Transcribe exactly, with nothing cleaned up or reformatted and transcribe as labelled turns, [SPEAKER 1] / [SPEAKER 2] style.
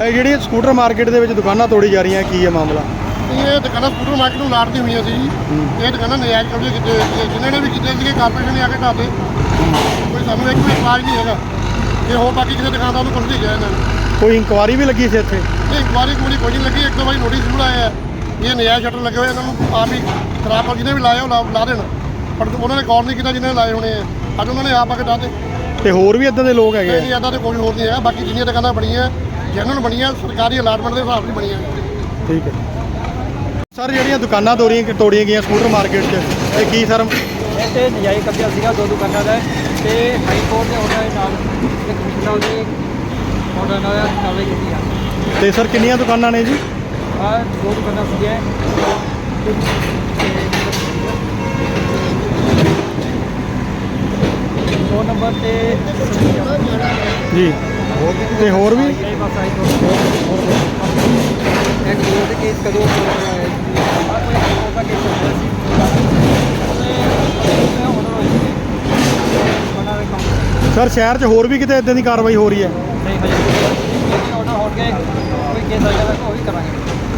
[SPEAKER 1] ਇਹ ਜਿਹੜੀ scooter market ਦੇ ਵਿੱਚ ਦੁਕਾਨਾਂ ਤੋੜੀ ਜਾ ਰਹੀਆਂ, ਕੀ ਹੈ ਮਾਮਲਾ?
[SPEAKER 2] ਇਹ ਦੁਕਾਨਾਂ ਸਕੂਟਰ ਮਾਰਕੀਟ ਨੂੰ ਲਾੜਦੀ ਹੋਈਆਂ ਸੀ ਜੀ। ਇਹ ਦੁਕਾਨਾਂ ਨਜਾਇਜ਼ ਕਬਜ਼ੇ ਕੀਤੇ ਹੋਏ ਸੀ, ਜਿਨ੍ਹਾਂ ਨੇ ਵੀ ਕੀਤੇ ਸੀਗੇ ਕਾਰਪੋਰੇਸ਼ਨ ਨੇ ਆ ਕੇ ਢਾਤੇ। ਕੋਈ ਸਾਨੂੰ ਇੱਕ ਵੀ ਇਤਰਾਜ਼ ਨਹੀਂ ਹੈਗਾ ਕਿ ਹੋਰ ਬਾਕੀ ਕਿਸੇ ਦੁਕਾਨਦਾਰ ਨੂੰ ਕੁਝ ਨਹੀਂ ਗਿਆ ਇਹਨਾਂ ਨੇ।
[SPEAKER 1] ਕੋਈ ਇਨਕੁਆਰੀ ਵੀ ਲੱਗੀ ਸੀ ਇੱਥੇ?
[SPEAKER 2] ਇਹ ਇਨਕੁਆਰੀ ਕੋਈ ਕੋਈ ਨਹੀਂ ਲੱਗੀ। ਇੱਕ ਦੋ ਵਾਰੀ ਨੋਟਿਸ ਜ਼ਰੂਰ ਆਇਆ ਹੈ ਇਹ ਨਜਾਇਜ਼ ਸ਼ਟਰ ਲੱਗੇ ਹੋਏ, ਇਹਨਾਂ ਨੂੰ ਆਪ ਹੀ ਖਰਾਬ ਕਰ ਜਿਹਨੇ ਵੀ ਲਾਏ ਉਹ ਲਾ ਲਾ ਦੇਣ, ਪਰ ਉਹਨਾਂ ਨੇ ਗੌਰ ਨਹੀਂ ਕੀਤਾ ਜਿਹਨੇ ਲਾਏ ਹੋਣੇ ਆ। ਅੱਜ ਉਹਨਾਂ ਨੇ ਆਪ ਆ ਕੇ ਢਾਤੇ।
[SPEAKER 1] ਤੇ ਹੋਰ ਵੀ ਇੱਦਾਂ ਦੇ ਲੋਕ ਹੈਗੇ?
[SPEAKER 2] ਨਹੀਂ, ਇੱਦਾਂ ਤੇ ਕੋਈ ਹੋਰ ਨਹੀਂ ਹੈਗਾ। ਬਾਕੀ ਜਿੰਨੀਆਂ ਦੁਕਾਨਾਂ ਬਣੀਆਂ ਜੈਨੂਅਨ ਬਣੀਆਂ, ਸਰਕਾਰੀ ਅਲਾਟਮੈਂਟ ਦੇ ਹਿਸਾਬ ਨਾਲ ਬਣੀਆਂ।
[SPEAKER 1] ਠੀਕ ਹੈ ਸਰ, ਜਿਹੜੀਆਂ ਦੁਕਾਨਾਂ ਤੋੜੀਆਂ ਤੋੜੀਆਂ ਗਈਆਂ ਸਕੂਟਰ ਮਾਰਕੀਟ 'ਚ, ਇਹ ਕੀ ਸਰ?
[SPEAKER 3] ਇੱਥੇ ਨਜਾਇਜ਼ ਕਬਜ਼ਾ ਸੀਗਾ ਦੋ ਦੁਕਾਨਾਂ ਦਾ, ਤੇ ਹਾਈ ਕੋਰਟ ਦੇ ਆਰਡਰ ਦੇ ਨਾਲ ਤੇ ਕਮਿਸ਼ਨਰ ਦੇ ਆਰਡਰ ਨਾਲ ਕਾਰਵਾਈ ਕੀਤੀ ਆ।
[SPEAKER 1] ਤੇ ਸਰ ਕਿੰਨੀਆਂ ਦੁਕਾਨਾਂ ਨੇ ਜੀ?
[SPEAKER 3] ਆਹ ਦੋ ਦੁਕਾਨਾਂ ਸੀਗੀਆਂ ਦੋ ਨੰਬਰ ਤੇ
[SPEAKER 1] ਜੀ, ਤੇ ਹੋਰ ਵੀ?
[SPEAKER 3] ਇਹ ਬਸ ਆਈ ਕੋਰਟ ਇੱਕ ਦੋ ਦੇ ਕੇਸ ਕਦੋਂ ਹੋਇਆ ਹੈ ਕੋਈ ਕੋਰਟ ਦਾ ਕੇਸ ਹੋਇਆ ਸੀ ਤੇ ਆਰਡਰ ਹੋਇਆ ਸੀ ਉਹਨਾਂ ਦੇ ਕੰਮ।
[SPEAKER 1] ਸਰ ਸ਼ਹਿਰ 'ਚ ਹੋਰ ਵੀ ਕਿਤੇ ਇਦਾਂ ਦੀ ਕਾਰਵਾਈ ਹੋ ਰਹੀ ਹੈ?
[SPEAKER 3] ਨਹੀਂ ਹਜੇ ਆਰਡਰ ਹੋ ਗਏ, ਕੋਈ ਕੇਸ ਆਏਗਾ ਤਾਂ ਉਹ ਵੀ ਕਰਾਂਗੇ।